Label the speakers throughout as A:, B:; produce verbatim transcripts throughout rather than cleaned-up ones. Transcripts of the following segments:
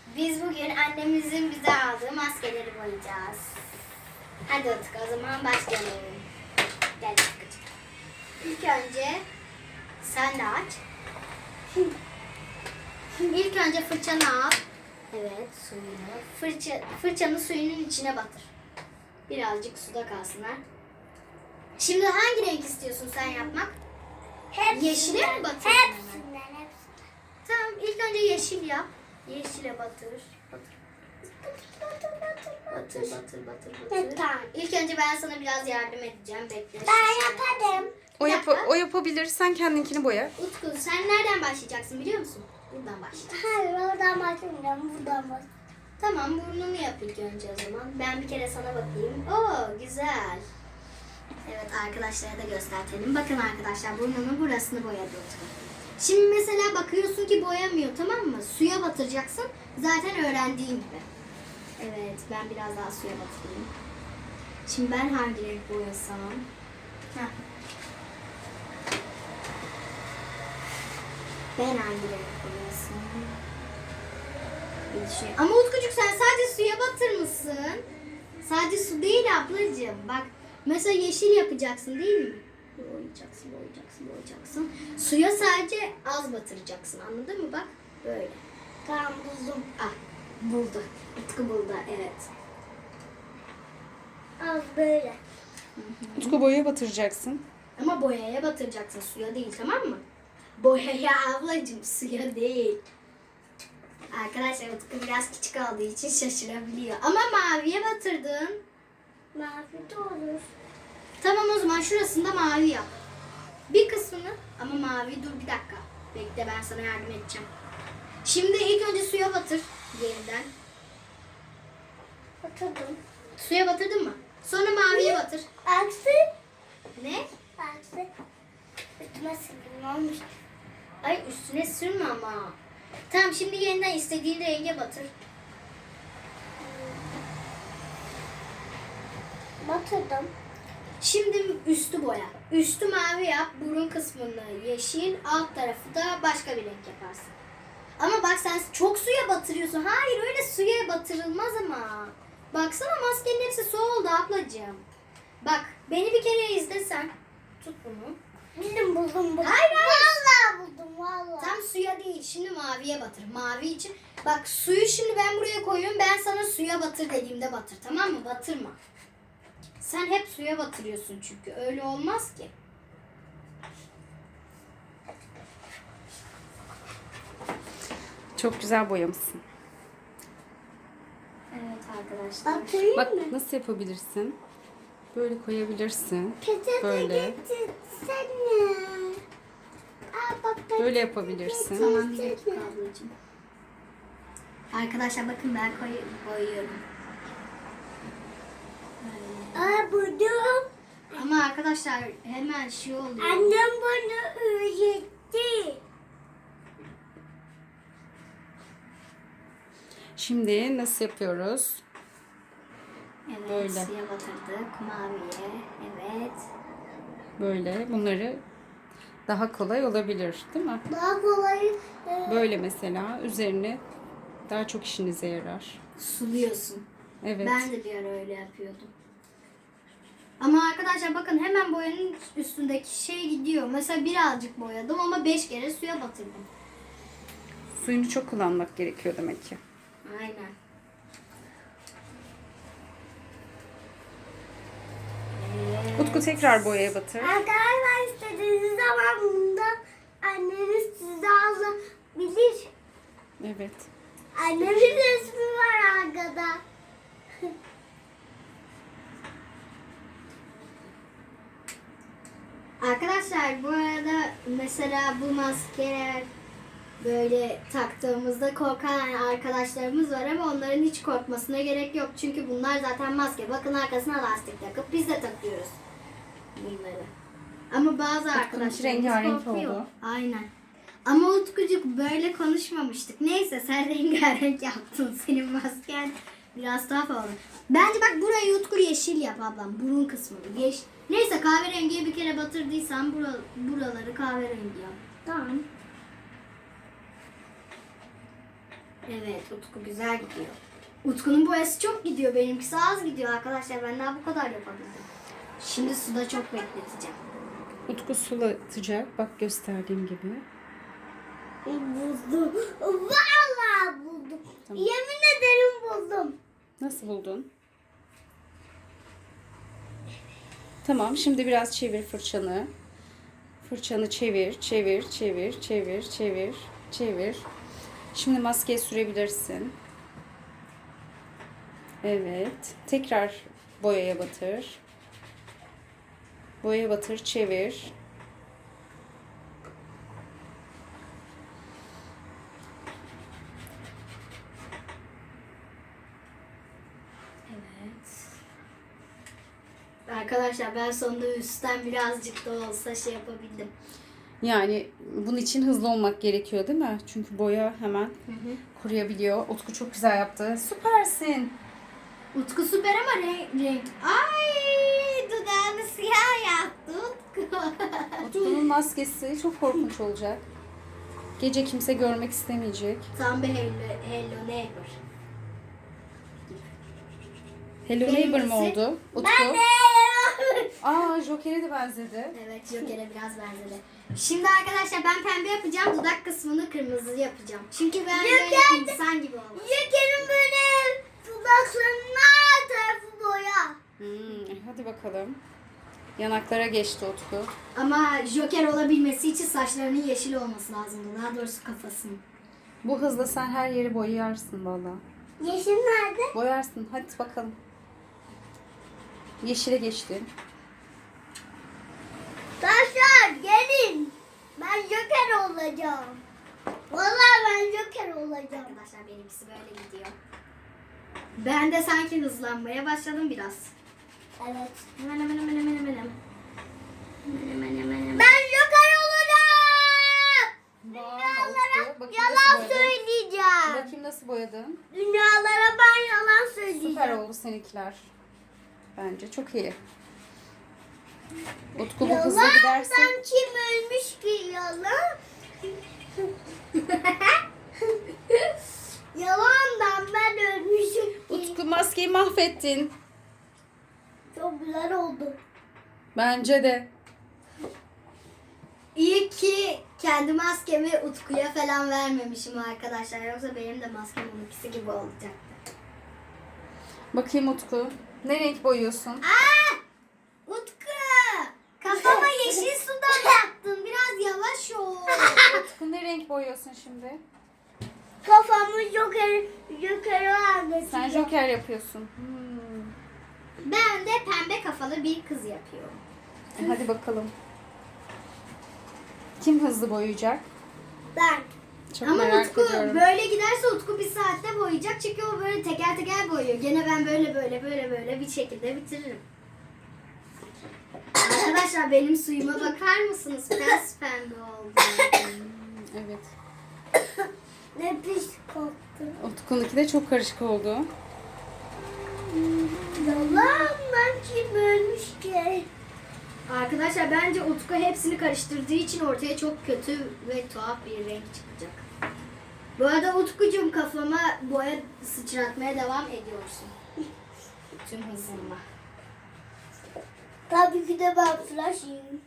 A: Biz bugün annemizin bize aldığı maskeleri boyayacağız. Hadi Utku, o zaman başlayalım. Gel Utkucuğum. İlk önce sen de aç. İlk önce fırçanı al. Evet, suyunu. Fırça, fırçanı suyunun içine batır. Birazcık suda kalsınlar. Şimdi hangi renk istiyorsun sen yapmak?
B: Hepsinden.
A: Yeşile mi batırdın?
B: Hepsinden, hepsinden.
A: Tamam, ilk önce yeşil yap. Yeşile batır. Batır. Batır, batır, batır, batır.
B: Tamam.
A: İlk önce ben sana biraz yardım edeceğim. Bekle.
B: Ben yaparım.
C: O,
A: Bir
C: yap
A: dakika.
C: o yapabilir. Sen kendinkini boya.
A: Utku, sen nereden başlayacaksın biliyor musun? Buradan başla.
B: Hayır, oradan başlamayacağım. Buradan başlayacağım.
A: Tamam, burnunu yap ilk önce o zaman. Ben bir kere sana bakayım. Oo, güzel. Evet, arkadaşlara da göstertelim. Bakın arkadaşlar, burnunun burasını boyadı Utku. Şimdi mesela bakıyorsun ki boyamıyor, tamam mı? Suya batıracaksın. Zaten öğrendiğin gibi. Evet, ben biraz daha suya batırayım. Şimdi ben hangi renk boyasam? Heh. Ben hangi renk boyasam? Bir düşün- Ama Utkucuk, sen sadece suya batırmışsın. Sadece su değil ablacığım. Bak, mesela yeşil yapacaksın değil mi? Boyayacaksın, boyayacaksın, boyayacaksın. Suya sadece az batıracaksın, anladın mı? Bak, böyle.
B: Tamam, buldum.
A: Ah, buldu. Utku buldu, evet.
B: Az böyle.
C: Utku boyaya batıracaksın.
A: Ama boyaya batıracaksın, suya değil, tamam mı? Boyaya ablacığım, suya değil. Arkadaşlar, Utku biraz küçük olduğu için şaşırabiliyor. Ama maviye batırdın.
B: Mavi de olur.
A: Tamam, o zaman şurasını da mavi yap. Bir kısmını ama mavi. Dur bir dakika. Bekle, ben sana yardım edeceğim. Şimdi ilk önce suya batır yeniden.
B: Oturdum.
A: Suya batırdın mı? Sonra maviye batır.
B: Aksi.
A: Ne?
B: Aksi. Üstüme sildim, olmuş.
A: Ay, üstüne sürme ama. Tamam, şimdi yeniden istediğin renge batır.
B: Batırdım.
A: Şimdi üstü boya. Üstü mavi yap, burun kısmını yeşil, alt tarafı da başka bir renk yaparsın. Ama bak, sen çok suya batırıyorsun. Hayır, öyle suya batırılmaz ama. Baksana, maskenin hepsi su oldu ablacığım. Bak, beni bir kere izlesen. Tut bunu.
B: Bildim, buldum, buldum.
A: Hayır, hayır.
B: Vallahi buldum, vallahi.
A: Tam suya değil, şimdi maviye batır. Mavi için. Bak, suyu şimdi ben buraya koyuyorum. Ben sana suya batır dediğimde batır, tamam mı? Batırma. Sen hep suya batırıyorsun çünkü. Öyle olmaz ki.
C: Çok güzel boyamışsın.
A: Evet arkadaşlar.
B: Batırayım
C: Bak
B: mı?
C: nasıl yapabilirsin? Böyle koyabilirsin.
B: Peçete
C: Böyle.
B: getirsene. Aa, bak, peçete
C: Böyle yapabilirsin.
A: Tamam, bir
B: getirsene.
A: dakika ablacığım. Arkadaşlar bakın, ben koy boyuyorum. Böyle.
B: Aa, buldum.
A: Ama arkadaşlar hemen şey oluyor.
B: Annem bana öğretti.
C: Şimdi nasıl yapıyoruz?
A: Evet,
C: Böyle.
A: suya batırdık. Maviye. Evet.
C: Böyle. Bunları daha kolay olabilir, değil mi?
B: Daha kolay. e,
C: Böyle mesela üzerine daha çok işinize yarar.
A: Suluyorsun.
C: Evet.
A: Ben de bir ara öyle yapıyordum. Ama arkadaşlar bakın, hemen boyanın üstündeki şey gidiyor. Mesela birazcık boyadım ama beş kere suya batırdım.
C: Suyunu çok kullanmak gerekiyor demek ki.
A: Aynen.
C: Utku tekrar boyaya batır.
B: Arkadaşlar, istediğiniz zaman bunda anneniz size alabilir.
C: Evet.
B: Annemin resmi var arkada.
A: Arkadaşlar bu arada mesela bu maskeler böyle taktığımızda korkan arkadaşlarımız var ama onların hiç korkmasına gerek yok. Çünkü bunlar zaten maske. Bakın, arkasına lastik takıp biz de takıyoruz bunları. Ama bazı arkadaşlarımız
C: rengarenk
A: korkuyor.
C: oldu.
A: Aynen. Ama Utkucuk, böyle konuşmamıştık. Neyse, sen rengarenk yaptın. Senin masken biraz tuhaf oldu. Bence bak, burayı Utku yeşil yap ablam. Burun kısmını. Yeş Neyse, kahverengiye bir kere batırdıysan bura, buraları kahverengi yap. Tamam. Evet, Utku güzel gidiyor. Utku'nun boyası çok gidiyor. Benimkisi az gidiyor arkadaşlar. Ben daha bu kadar yapabildim. Şimdi suda çok bekleteceğim.
C: Utku sulatacak. Bak gösterdiğim gibi.
B: Buldum. Vallahi buldum.
C: Tamam.
B: Yemin ederim buldum.
C: Nasıl buldun? Tamam, şimdi biraz çevir fırçanı. Fırçanı çevir, çevir, çevir, çevir, çevir, çevir. Şimdi maskeyi sürebilirsin. Evet. Tekrar boyaya batır. Boyaya batır, çevir.
A: Evet. Arkadaşlar ben sonunda üstten birazcık da olsa şey yapabildim.
C: Yani bunun için hızlı olmak gerekiyor değil mi? Çünkü boya hemen
A: Hı hı.
C: kuruyabiliyor. Utku çok güzel yaptı. Süpersin.
A: Utku süper ama renk, renk. Ay dudağını siyah yaptı Utku.
C: Utku'nun maskesi çok korkunç olacak. Gece kimse görmek istemeyecek.
A: Tam bir hello, hello neighbor.
C: Hello Neighbor mu
A: Benimkisi-
C: oldu? Utku.
B: Ben de.
C: Aa, Joker'e de benzedi.
A: Evet Joker'e biraz benzedi. Şimdi arkadaşlar ben pembe yapacağım. Dudak kısmını kırmızı yapacağım. Çünkü ben böyle insan gibi olmak.
B: Joker'in böyle dudaklarının her tarafı boya.
C: Hmm, hadi bakalım. Yanaklara geçti Utku.
A: Ama Joker olabilmesi için saçlarının yeşil olması lazımdı. Daha doğrusu kafasının.
C: Bu hızla sen her yeri boyayarsın valla.
B: Yeşil nerede?
C: Boyarsın. Hadi bakalım. Yeşile geçtin.
B: Taşlar gelin. Ben Joker olacağım. Vallahi ben Joker olacağım.
A: Arkadaşlar benimkisi böyle gidiyor. Ben de sanki hızlanmaya başladım biraz.
B: Evet.
A: Hemen hemen hemen hemen hemen. Hemen hemen hemen.
B: Ben Joker olacağım.
C: Vay, Utku. Bakayım
B: Yalan
C: nasıl boyadın.
B: söyleyeceğim.
C: Bakayım nasıl boyadın.
B: Dünyalara ben yalan söyleyeceğim.
C: Süper oldu seninkiler. Bence çok iyi. Utku bu hızla
B: Yalandan
C: giderse
B: kim ölmüş ki yalan? Yalandan ben ölmüşüm ki.
C: Utku maskeyi mahvettin.
B: Çok güzel oldu.
C: Bence de.
A: İyi ki kendi maskemi Utku'ya falan vermemişim arkadaşlar. Yoksa benim de maskem onunkisi gibi olacaktı.
C: Bakayım Utku. Ne renk boyuyorsun?
A: Aa! Utku! Kafama yeşil sudan yaktın. Biraz yavaş ol.
C: Utku ne renk boyuyorsun şimdi?
B: Kafamı Joker, Joker'e anlatacağım.
C: Sen Joker yapıyorsun. Hmm.
A: Ben de pembe kafalı bir kız yapıyorum.
C: E, hadi bakalım. Kim hızlı boyayacak?
B: Ben.
C: Çok
A: Ama
C: merak
A: Utku
C: ediyorum.
A: böyle giderse Utku bir saatte boyayacak. Çünkü o böyle teker teker boyuyor. Gene ben böyle böyle böyle böyle bir şekilde bitiririm. Arkadaşlar benim suyuma bakar mısınız? Pes pembe oldu.
C: Hmm, evet.
B: Ne pis koktu.
C: Utku'nunki de çok karışık oldu.
B: Yalandan kim ölmüş ki?
A: Arkadaşlar bence Utku hepsini karıştırdığı için ortaya çok kötü ve tuhaf bir renk çıkacak. Bu arada Utkucuğum kafama boya sıçratmaya devam ediyorsun. Tüm hızınla.
B: Tabii ki de ben flash'im.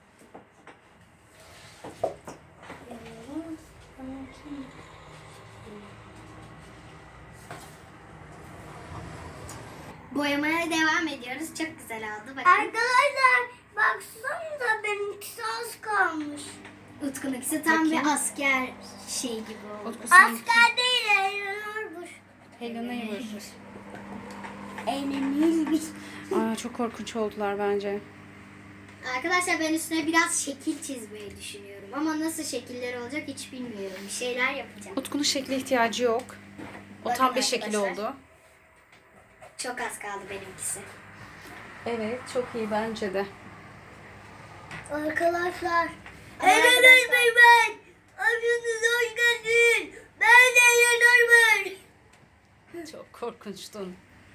A: Boyamaya devam ediyoruz. Çok güzel oldu. Bakın.
B: Arkadaşlar baksanıza benimkisi az kalmış.
A: Utku'nunkisi tam
C: Bakayım.
A: bir asker şey gibi oldu.
C: Utku seninki
B: Asker değil, eğlenirmiş.
C: Hello Neighbor.
B: Eğlenirmiş.
C: Aa, çok korkunç oldular bence.
A: Arkadaşlar ben üstüne biraz şekil çizmeyi düşünüyorum. Ama nasıl şekiller olacak hiç bilmiyorum. Bir şeyler yapacağım.
C: Utku'nun şekle ihtiyacı yok. O
A: Bakın
C: tam bir şekil
A: arkadaşlar.
C: oldu.
A: Çok az kaldı benimkisi.
C: Evet, çok iyi bence de.
B: Arkadaşlar.
A: Ama
B: Eğlenirmiş ben. Aşınız hoş geldin. Ben de eğlenirmiş.
C: Çok korkunçtun.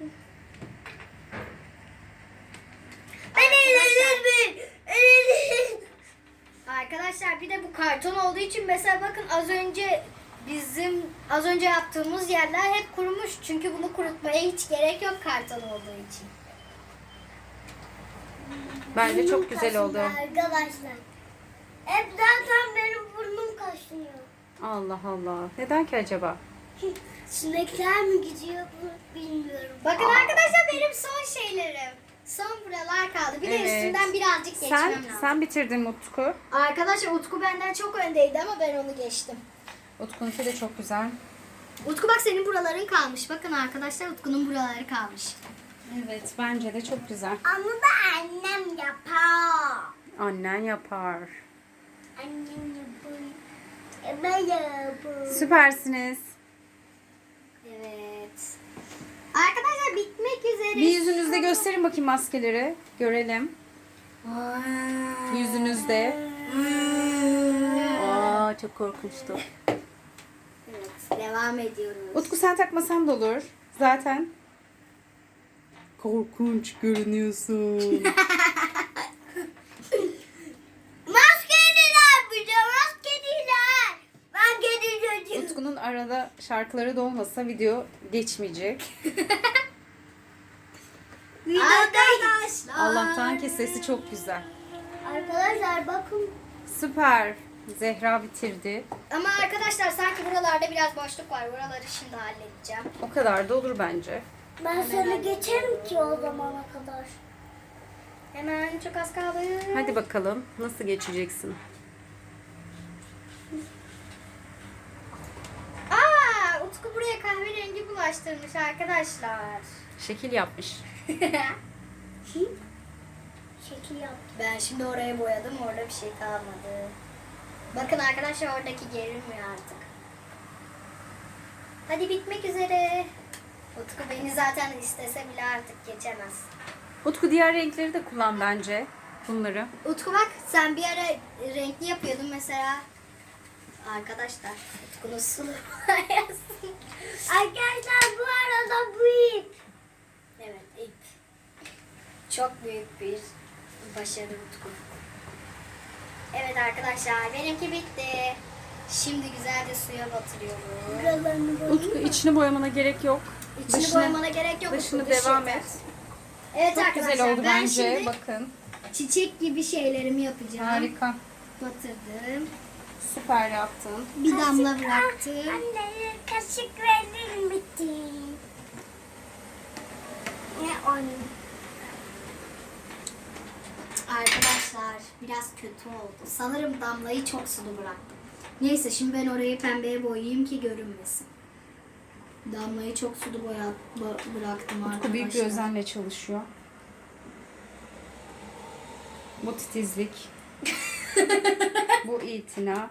B: Ben eğlenirmiş. Eğlenirmiş.
A: Arkadaşlar bir de bu karton olduğu için mesela bakın az önce bizim az önce yaptığımız yerler hep kurumuş. Çünkü bunu kurutmaya hiç gerek yok karton olduğu için.
C: Bence çok
B: Burnum
C: güzel oldu.
B: kaşındı arkadaşlar. Hep zaten benim burnum kaşınıyor.
C: Allah Allah. Neden ki acaba?
B: Sinekler mi gidiyor bu bilmiyorum.
A: Bakın arkadaşlar benim son şeylerim. Son buralar kaldı. Bir de
C: Evet.
A: üstünden birazcık geçmem
C: Sen
A: lazım.
C: sen bitirdin Utku.
A: Arkadaşlar Utku benden çok öndeydi ama ben onu geçtim.
C: Utku'nunki de çok güzel.
A: Utku bak senin buraların kalmış. Bakın arkadaşlar Utku'nun buraları kalmış.
C: Evet, bence de çok güzel.
B: Ama da annem yapar.
C: Annen yapar.
B: Annem yapar. E, Ben yaparım.
C: Süpersiniz.
A: Evet. Arkadaşlar bitmek üzere.
C: Bir yüzünüzde gösterin bakayım maskeleri. Görelim. Yüzünüzde. Aa, çok korkunçtu.
A: Evet, devam ediyoruz.
C: Utku sen takmasan da olur. Zaten. Korkunç görünüyorsun.
B: Maskeliler bir de maskeliler. Ben kedi çocuğum.
C: Utku'nun arada şarkıları da olmasa video geçmeyecek.
A: Arkadaşlar.
C: Allah'tan ki sesi çok güzel.
B: Arkadaşlar bakın.
C: Süper. Zehra bitirdi.
A: Ama arkadaşlar sanki buralarda biraz boşluk var. Buraları şimdi halledeceğim.
C: O kadar da olur bence.
B: Ben sana geçerim ki o zamana kadar.
A: Hemen çok az kaldı.
C: Hadi bakalım nasıl geçeceksin?
A: Aa, Utku buraya kahverengi bulaştırmış arkadaşlar.
C: Şekil yapmış.
B: Şekil yap.
A: Ben şimdi oraya boyadım. Orada bir şey kalmadı. Bakın arkadaşlar oradaki gerilmiyor artık. Hadi bitmek üzere. Utku beni zaten istese bile artık geçemez.
C: Utku diğer renkleri de kullan bence. Bunları.
A: Utku bak sen bir ara renkli yapıyordun mesela. Arkadaşlar Utku'nun sulu boyası.
B: Arkadaşlar bu arada bu ip.
A: Evet ip. Çok büyük bir başarı Utku. Evet arkadaşlar benimki bitti. Şimdi güzelce suya batırıyorum.
B: Buralarını böyle.
C: Utku içini boyamana gerek yok.
A: İçini
C: Dışını-
A: boyamana gerek yok.
C: Dışını
A: Utku, dışı
C: devam
A: yeter.
C: et.
A: Evet
C: Çok
A: arkadaşlar
C: güzel oldu
A: ben
C: bence.
A: şimdi
C: Bakın.
A: çiçek gibi şeylerimi yapacağım.
C: Harika.
A: Batırdım.
C: Süper yaptın.
A: Bir damla bıraktım.
B: Anne kaşık verir misin? Ne onu?
A: Arkadaşlar biraz kötü oldu. Sanırım damlayı çok sulu bıraktım. Neyse şimdi ben orayı pembeye boyayayım ki görünmesin. Damlayı çok sulu boya bo- bıraktım
C: Utku
A: arkadaşlar.
C: büyük bir özenle çalışıyor. Bu titizlik. Bu itina.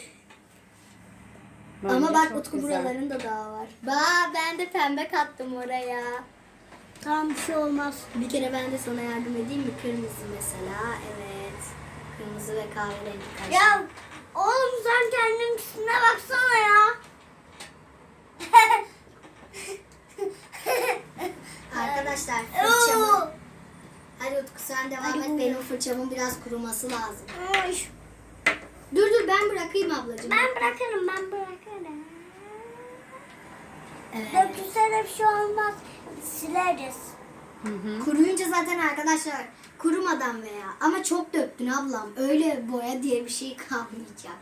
C: Bence
A: Ama bak
C: çok
A: Utku
C: güzel.
A: buralarında daha var. Ba ben de pembe kattım oraya.
B: Tamam bir şey olmaz.
A: Bir kere ben de sana yardım edeyim mi? Kırmızı mesela. Evet. Kırmızı ve kahverengi karışık.
B: Ya oğlum sen kendin üstüne baksana ya.
A: Arkadaşlar fırçamı.
B: Oo.
A: Hadi Utku sen devam
B: Hadi
A: et.
B: bu.
A: Benim fırçamın biraz kuruması lazım.
B: Oy.
A: Dur dur ben bırakayım ablacığım.
B: Ben bırakırım ben bırakırım.
A: Evet.
B: Dökülse de bir şey olmaz. Sileriz.
C: Hı hı.
A: Kuruyunca zaten arkadaşlar kurumadan veya ama çok döktün ablam. Öyle boya diye bir şey kalmayacak.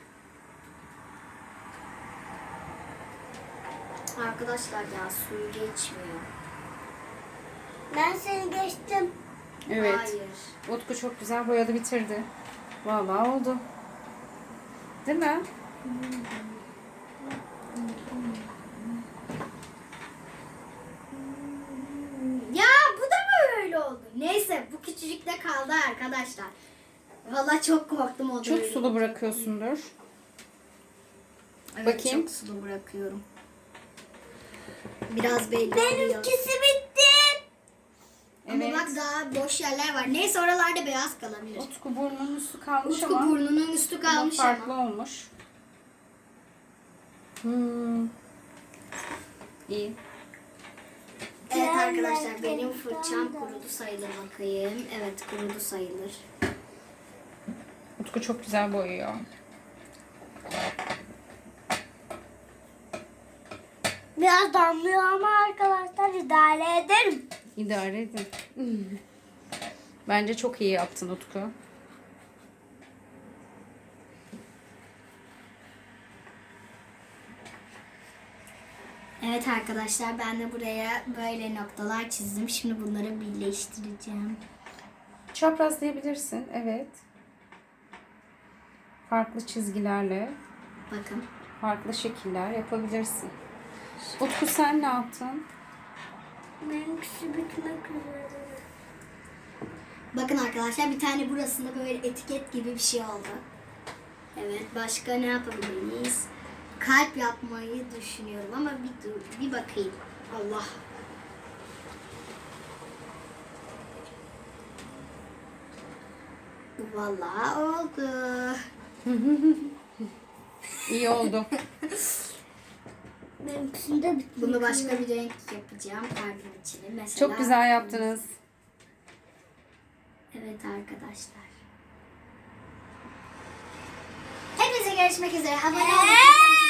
A: Arkadaşlar ya suyu geçmiyor.
B: Ben seni geçtim.
C: Evet.
A: Hayır.
C: Utku çok güzel boyadı bitirdi. Vallahi oldu. Değil mi?
A: Ya bu da mı öyle oldu? Neyse bu küçücükte kaldı arkadaşlar. Vallahi çok korktum o da
C: Çok
A: öyle
C: sulu
A: olacak.
C: bırakıyorsundur.
A: Evet,
C: Bakayım.
A: çok sulu bırakıyorum. Biraz belli oluyor.
B: Benimkisi bitti.
A: Ama
C: Evet.
A: bak daha boş yerler var. Neyse oralarda beyaz kalabilir.
C: Utku burnunun üstü kalmış
A: Utku
C: ama
A: burnunun üstü
C: ama
A: kalmış
C: farklı
A: ama.
C: olmuş. Hmm. İyi.
A: Evet arkadaşlar benim fırçam kurudu sayılır bakayım. Evet kurudu sayılır.
C: Utku çok güzel boyuyor.
B: Biraz damlıyor ama arkadaşlar idare ederim.
C: İdare edin. Bence çok iyi yaptın Utku.
A: Evet arkadaşlar ben de buraya böyle noktalar çizdim. Şimdi bunları birleştireceğim.
C: Çaprazlayabilirsin. Evet. Farklı çizgilerle,
A: Bakın.
C: farklı şekiller yapabilirsin. Utku sen ne yaptın?
B: Benimkisi bitmek üzere.
A: Bakın arkadaşlar bir tane burasında böyle etiket gibi bir şey oldu. Evet başka ne yapabiliriz? Kalp yapmayı düşünüyorum ama bir dur bir bakayım. Allah. Vallahi oldu.
C: İyi oldu.
B: Benimkisini de bitmek
A: Bunu başka
B: üzere.
A: bir renk yapacağım kalbin içine. Mesela.
C: Çok güzel yaptınız.
A: Evet arkadaşlar. Hepinize görüşmek üzere. Abone olmayı,